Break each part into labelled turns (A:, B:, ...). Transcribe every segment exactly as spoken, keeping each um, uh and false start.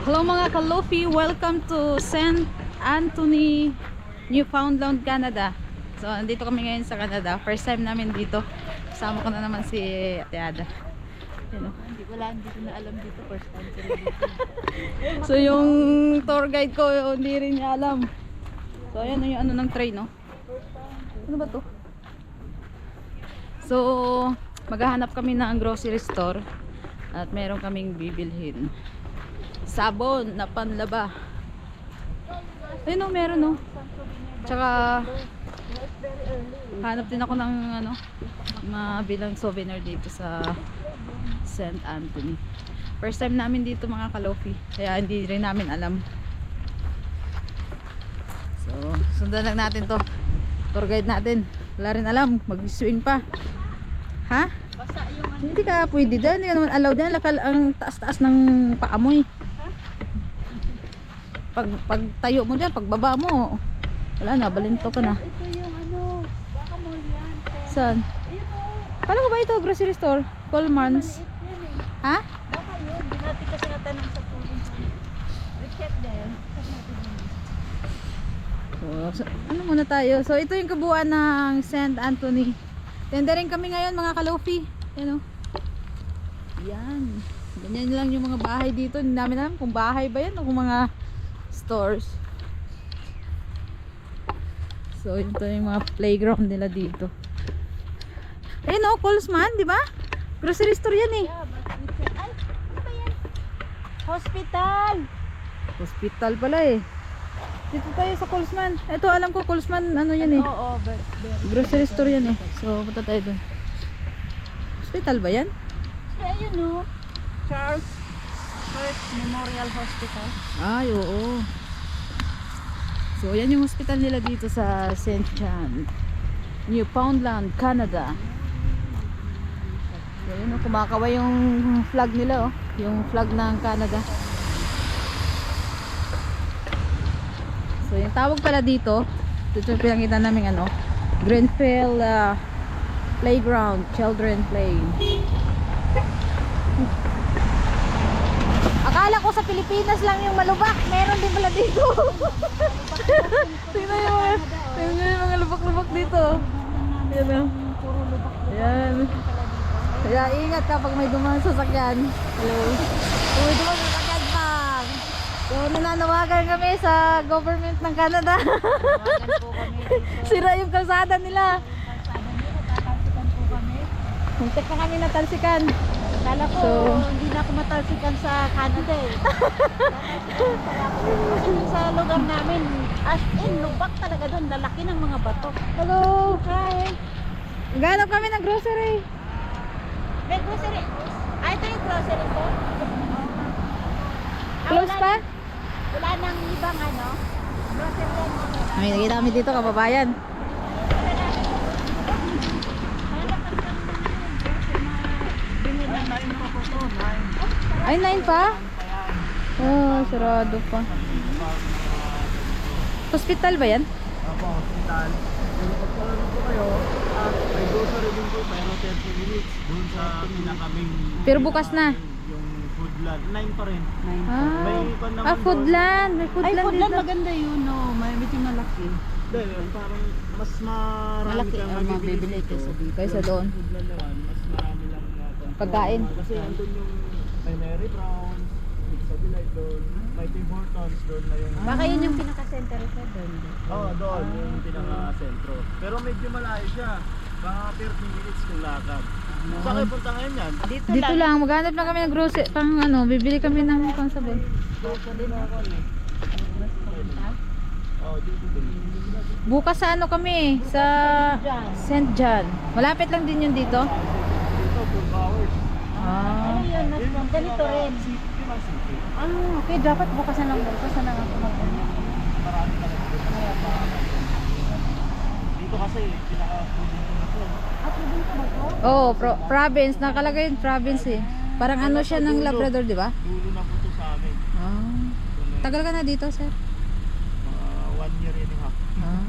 A: Hello mga Kalofi, welcome to Saint Anthony, Newfoundland, Canada. So, nandito kami ngayon sa Canada. First time namin dito. Kasama ko na naman si Ate Ada. Yan, oh.
B: Hindi wala, hindi ko na alam dito. First time ko rin dito.
A: So, yung tour guide ko, hindi rin niya alam. So, ayan yung ano ng train, no? Ano ba to? So, maghahanap kami ng grocery store at meron kaming bibilhin. Sabon na panlaba. Ayun, no, meron, no? Tsaka hanap din ako ng ano, mabilang souvenir dito sa Saint Anthony. First time namin dito mga Kalofi, kaya hindi rin namin alam. So, sundan lang natin to. Tour guide natin. Wala rin alam, mag-swing pa. Ha?
B: Basta yung ano.
A: Hindi ka pwede dyan, hindi ka naman allowed dyan. Lakal ang taas-taas ng paamoy. Pag, pag tayo mo dyan, pagbaba mo, wala na, balinto ka na.
B: Ito yung ano, baka mo yan.
A: Saan?
B: Ayun o.
A: Paano ko ba ito? Grocery store? Coleman's?
B: Yan eh.
A: Ha?
B: Baka yun. Di natin kasi natanong sa pulis. Recheck din.
A: So, so, ano muna tayo? So, ito yung kabuuan ng Saint Anthony. Tendering kami ngayon mga Kalofi. Yan o. Yan. Ganyan lang yung mga bahay dito. Hindi namin alam kung bahay ba yan o kung mga stores. So, ito yung mga playground nila dito. Ayun o, Colesman, di ba? Grocery store yan eh.
B: Yeah, but recheck. Ay, ano ba yan? Hospital!
A: Hospital pala eh. Dito tayo sa Colesman. Ito, alam ko Colesman, ano yan eh.
B: Oo, but
A: Grocery store yan eh. So, punta tayo dun. Hospital ba yan?
B: ayun o. Charles First Memorial Hospital.
A: Ay, oo. So, yan yung hospital nila dito sa Saint John, Newfoundland, Canada. So, yun o, kumakaway yung flag nila, oh. Yung flag ng Canada. So, yung tawag pala dito, ito yung pinakita namin ano, Greenfield uh, Playground, Children Play. Akala ko sa Pilipinas lang yung malubak, meron din pala dito. Tingnan yung mga, tingnan yung mga lubak-lubak dito. Ayan o.
B: Puro lubak.
A: Ayan. Kaya ingat kapag may dumaan sasakyan. Hello. Kung may dumaan sasakyan pang. So nananawagan kami sa government ng Canada.
B: Tawagan po kami dito.
A: Sira yung kalsada nila.
B: Kalsada nila, tatalsikan po kami.
A: Muntik na kami natalsikan.
B: Kala ko,
A: So-
B: hindi na ako matalsikan sa Canada eh. Kasi dun sa lugar namin, as in, lubak talaga doon. Lalaki ng mga bato.
A: Hello.
B: Hi!
A: Ganap kami ng grocery.
B: May grocery. Ah, ito yung grocery ko. Ah,
A: Close
B: wala
A: pa?
B: na- Wala nang ibang ano. Grocery yan.
A: May nakita kami dito, kababayan. Ay, nine pa? Oh, sarado pa. Hospital ba yan?
C: Opo, hospital. Kung pagkaroon po kayo, at may grocery din po, pero thirty minutes doon sa pinakaming...
A: Pero bukas na.
C: Yung foodland, nine pa rin.
A: Ah,
C: May iba naman
A: ah foodland. May
B: Ay,
A: foodland
B: foodland
A: dito.
B: maganda yun, no. May medyo malaki.
C: Hindi, yung parang mas marami
B: Malaki
C: kang
B: ang
C: mabibili
B: mabibili
C: dito.
B: kaysa dito.
A: Kaysa doon.
C: Yung foodland naman, mas marami lang na control.
A: Pagkain.
C: Kasi andun yung may Mary Brown, sa Delight doon, may Tim Hortons doon na yung...
B: Baka yun yung pinaka-center sa doon.
C: Oo, oh, doon, yung pinaka-sentro. Pero medyo malayo siya. Mga thirty minutes kung lakad. Saan kayo punta ngayon yan?
B: Dito,
A: Dito lang, maghanap lang kami ng grocery. Pang ano, bibili kami ng pang sabon.
B: Dito din ako eh.
C: Oo, dito din.
A: Bukas sa ano kami, sa Saint John. Malapit lang din yun dito.
C: Dito, four hours.
A: Ah.
B: Ano yun? Mas ganito rin.
C: City, yun ang city.
B: Ah, okay. Dapat bukas na lang. Bukas na lang ako mag-ano.
C: Marami na lang dito. Dito kasi, pinaka-fooding na to.
B: Ah, pwede ka ba ito?
A: Oh, pro- province. Nakalagay yung province eh. Parang ano siya ng Labrador, di ba?
C: Dulo na po to sa amin.
A: Ah. Tagal ka na dito, sir?
C: Mga one year and a half.
A: Ah.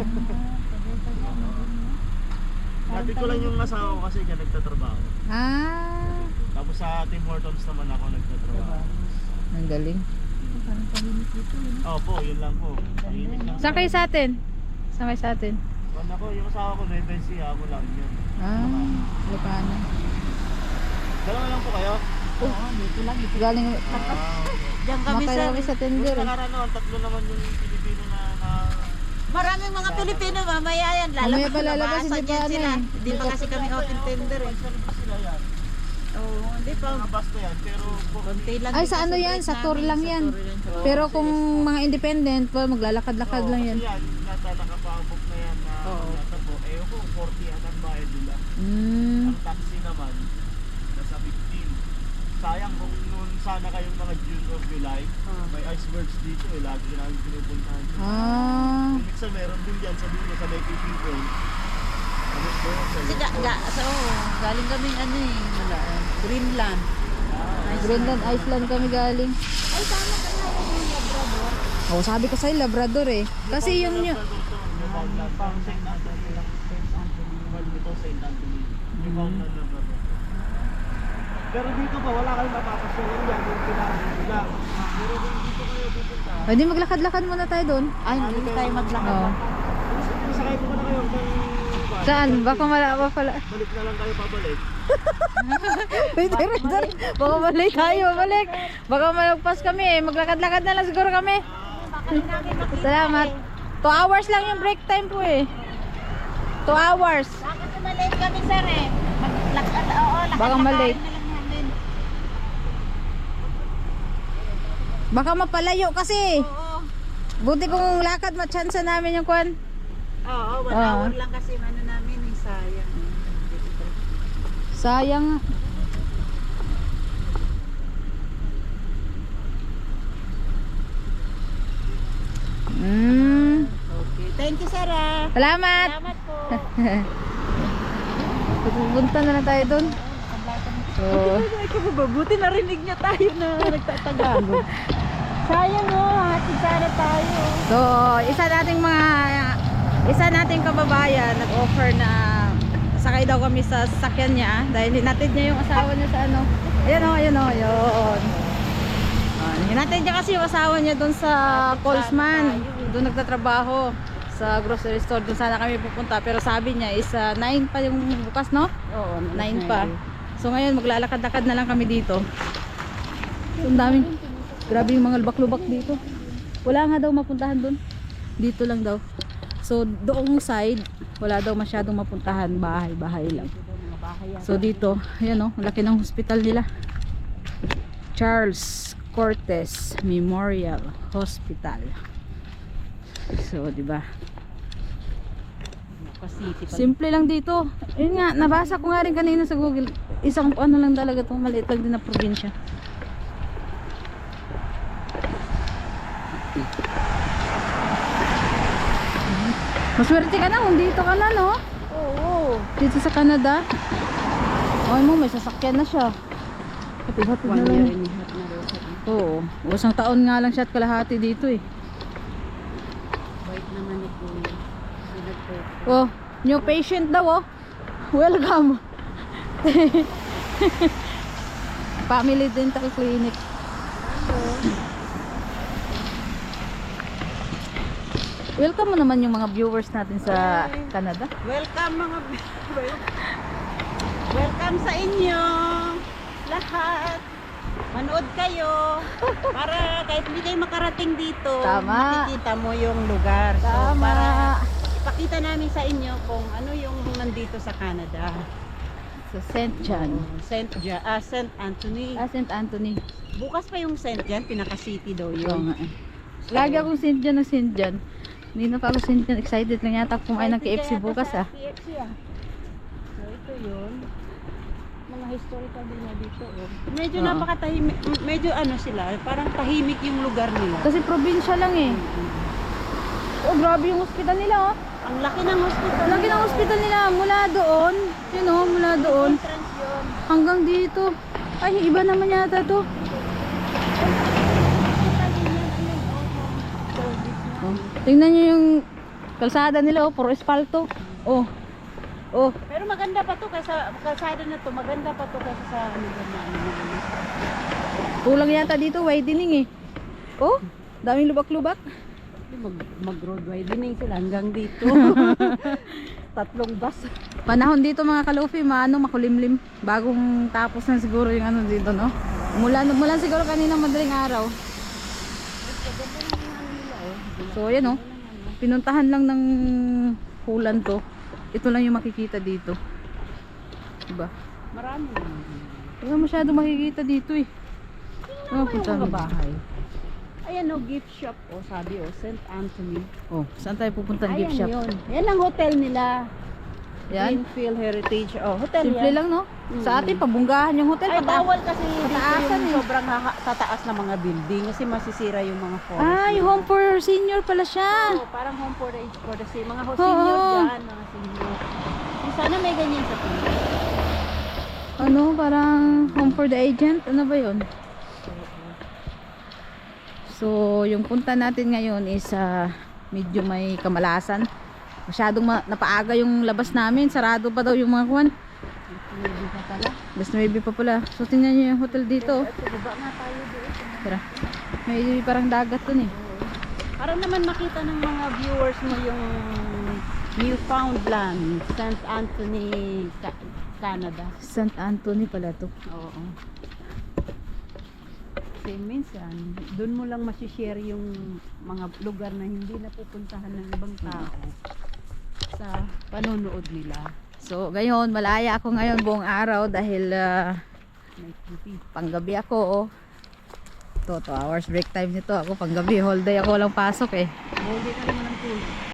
C: Dati ko lang yung asawa ko kasi dyan nagtatrabaho.
A: Ah.
C: Tapos sa Tim Hortons naman ako nagtatrabaho.
A: Ang galing.
C: Opo, yun lang po. Tahimik lang.
A: Saan kayo sa atin? Saan kayo sa atin?
C: Kung ako, yung asawa ko, Nueva Ecija, ako lang yun.
A: Ah, Lucana.
C: Dalawa lang po kayo?
B: Oo, dito lang. Dito.
A: Galing,
C: Ah,
B: Diyan kami
A: makaya
B: sir.
A: kami sa
C: Kung
A: tender. eh.
C: nakaraan naman, tatlo naman yung Pilipino na, na
B: Maraming mga Pilipino mamaya yan.
A: Mamaya
B: Lalabas
A: pa lalabas,
B: labasan
A: hindi pa
B: yan
A: ano
B: sila.
A: eh.
B: Hindi pa kasi kami open tender eh.
C: Saan ba sila yan?
B: Oo, hindi pa.
C: Mga bus na yan, pero po,
B: Konti lang.
A: Ay,
B: din
A: sa
B: kasi
A: ano yan?
B: break
A: Sa tour
B: namin,
A: lang
B: sa
A: yan.
B: tour yan.
A: Pero kung mga independent, well, maglalakad-lakad
C: Oo,
A: lang yan.
C: Kasi yan, nata nakapabok na yan na
B: Oo.
C: nasa po. Eh, kung forty at ang bayad nila.
A: Mm.
C: Ang taxi naman, nasa fifteen. Sayang kung noon sana kayong mga June or July,
B: Ah.
C: may icebergs dito eh, lagi namin pinupuntahan.
A: Ah.
C: Kung minsan meron din dyan sa dulo sa may fishing point. Ano po? Sa
B: Kasi ga, ga, so, galing kami ano eh, wala, eh, Greenland.
A: Greenland, Iceland kami galing.
B: Ay, tama ka na yung Labrador.
A: Oh, sabi ko sa'yo, Labrador eh. Kasi yung nyo...
C: Newfoundland. Parang Saint Anthony lang. Dito Saint Anthony. Newfoundland na ba? Pero dito pa, wala kayong mapapasyalan yan yung kailangan nila. Pero kung dito kayo pupunta,
A: Pwede maglakad-lakad muna tayo doon.
B: Ay, hindi tayo maglakad.
A: Oo.
C: sakay po na kayo ng bus.
A: Saan? Baka malawa pala.
C: Balik na lang kayo pabalik.
A: Wait, wait, wait. Baka balik tayo, balik. Baka malagpas kami eh. Maglakad-lakad na lang siguro kami. Salamat. Two hours lang yung break time po eh. Two hours.
B: Bakit malate kami sir eh? Maglakad, oo, lakad
A: Baka malate.
B: na lang namin.
A: Baka mapalayo kasi.
B: Oo.
A: Buti kung lakad, matsansa namin yung kwan.
B: Oo, one
A: Ah.
B: hour lang kasi yung ano namin eh, sayang.
A: Sayang nga. Mm.
B: Okay. Thank you sir ah.
A: Salamat.
B: Salamat po.
A: Pupunta na lang tayo doon. So,
B: Buti narinig niya tayo na nagtatagalog. Sayang oh, hatid sana tayo.
A: so isa nating mga isa nating kababayan nag-offer na sakay daw kami sa sasakyan niya dahil hinatid niya yung asawa niya sa ano. Ayun oh, ayun oh, ayun. Ah, hinatid niya kasi yung asawa niya doon sa Colesman. Doon nagtatrabaho sa grocery store. Doon sana kami pupunta pero sabi niya is uh, nine pa yung bukas, no?
B: Oo,
A: nine pa. So ngayon maglalakad-lakad na lang kami dito. So, ang daming, grabe yung mga lubak-lubak dito. Wala nga daw mapuntahan doon. Dito lang daw. So doong side, wala daw masyadong mapuntahan. Bahay-bahay lang. So dito, ayan o, laki ng hospital nila. Charles Cortez Memorial Hospital. So, di ba? Simple lang dito. Yun nga, nabasa ko nga rin kanina sa Google. Isang ano lang talaga to, maliit lang din na probinsya. Maswerte ka na kung dito ka na, no?
B: Oo.
A: Dito sa Canada. Ay mo, may sasakyan na siya. Hatid-hatid na lang. Oo. Isang taon nga lang siya at kalahati dito eh.
B: Wait naman ni Kuya.
A: Oh, new patient daw oh. Welcome. Family Dental Clinic. Welcome mo naman yung mga viewers natin sa Canada.
B: Welcome mga Welcome sa inyo lahat. Manood kayo para kahit hindi kayo makarating dito,
A: Tama.
B: makikita mo yung lugar. So,
A: Tama.
B: para ipakita namin sa inyo kung ano yung nandito sa Canada.
A: Sa Saint John.
B: Saint Ja, ah, Saint Anthony.
A: Ah, Saint Anthony.
B: Bukas pa yung Saint John, pinaka-city daw
A: Oo
B: yun.
A: nga eh. Lagi akong Saint John ng Saint John. Hindi na pa ako Saint John. Excited lang yata kumain ng K F C bukas ah.
B: K F C ah. So ito yun. Mga historical din na dito. Oh. Medyo
A: Oo.
B: napakatahimik. m- Medyo ano sila, parang tahimik yung lugar nila.
A: Kasi probinsya lang eh. Oh, grabe yung hospital nila oh.
B: Ang laki ng hospital.
A: Lagi ng hospital nila mula doon. Yun oh, mula doon.
B: Entrance yun.
A: Hanggang dito. Ay, iba naman yata to. Oh, tingnan nyo yung kalsada nila oh, puro espalto. Oh. Oh,
B: Pero maganda pa to kaysa kalsada na to. Maganda pa to kaysa sa ano ba na ano.
A: kulang yata dito widening eh. Oh, daming lubak-lubak.
B: Mag, mag-road widening sila hanggang dito. Tatlong bus.
A: Panahon dito mga kalufi, maano, makulimlim. Bagong tapos na siguro yung ano dito, no? Mula, mula siguro kanina madaling araw. So, ayan, oh. Pinuntahan lang ng hulan to. Ito lang yung makikita dito. Diba?
B: Marami naman.
A: Wala masyado makikita dito eh.
B: Ano
A: Oh,
B: yung
A: punta
B: mga
A: mo.
B: bahay? Ayan o, gift shop o, sabi o, Saint Anthony.
A: Oh, saan tayo pupunta ng gift
B: Ayan
A: shop?
B: yun. Yan ang hotel nila.
A: Yan.
B: Greenfield Heritage. Oh, hotel
A: Simple
B: yan.
A: lang, no?
B: Mm.
A: Sa atin, pabunggahan yung hotel.
B: Ay,
A: pata-
B: bawal kasi dito
A: pataasan
B: yung
A: eh.
B: sobrang haka- tataas na mga building kasi masisira yung mga forest.
A: Ay,
B: nila.
A: home for senior pala siya.
B: Oo, parang home for the, for the senior. Mga ho-
A: Oo.
B: senior dyan, mga senior. Eh, sana may ganyan sa Pilipinas.
A: Ano, parang home for the agent. Ano ba yun? So, yung punta natin ngayon is ah, medyo may kamalasan. Masyadong ma- napaaga yung labas namin. Sarado pa daw yung mga kwan.
B: Hindi pa pala.
A: Mas maybe pa pala. So, tingnan nyo yung hotel dito.
B: At baba nga tayo doon.
A: Tara. May parang dagat dun eh.
B: Para naman makita ng mga viewers mo yung Newfoundland, Saint Anthony, Ca- Canada.
A: Saint Anthony pala to.
B: Oo. Kasi minsan, doon mo lang masishare yung mga lugar na hindi napupuntahan ng ibang tao sa panonood nila.
A: So, ngayon, malaya ako ngayon buong araw dahil ah,
B: May T V.
A: panggabi ako. Oh. To, two hours break time nito. Ako panggabi, whole day ako walang pasok eh.
B: Hindi ka naman ng tulog.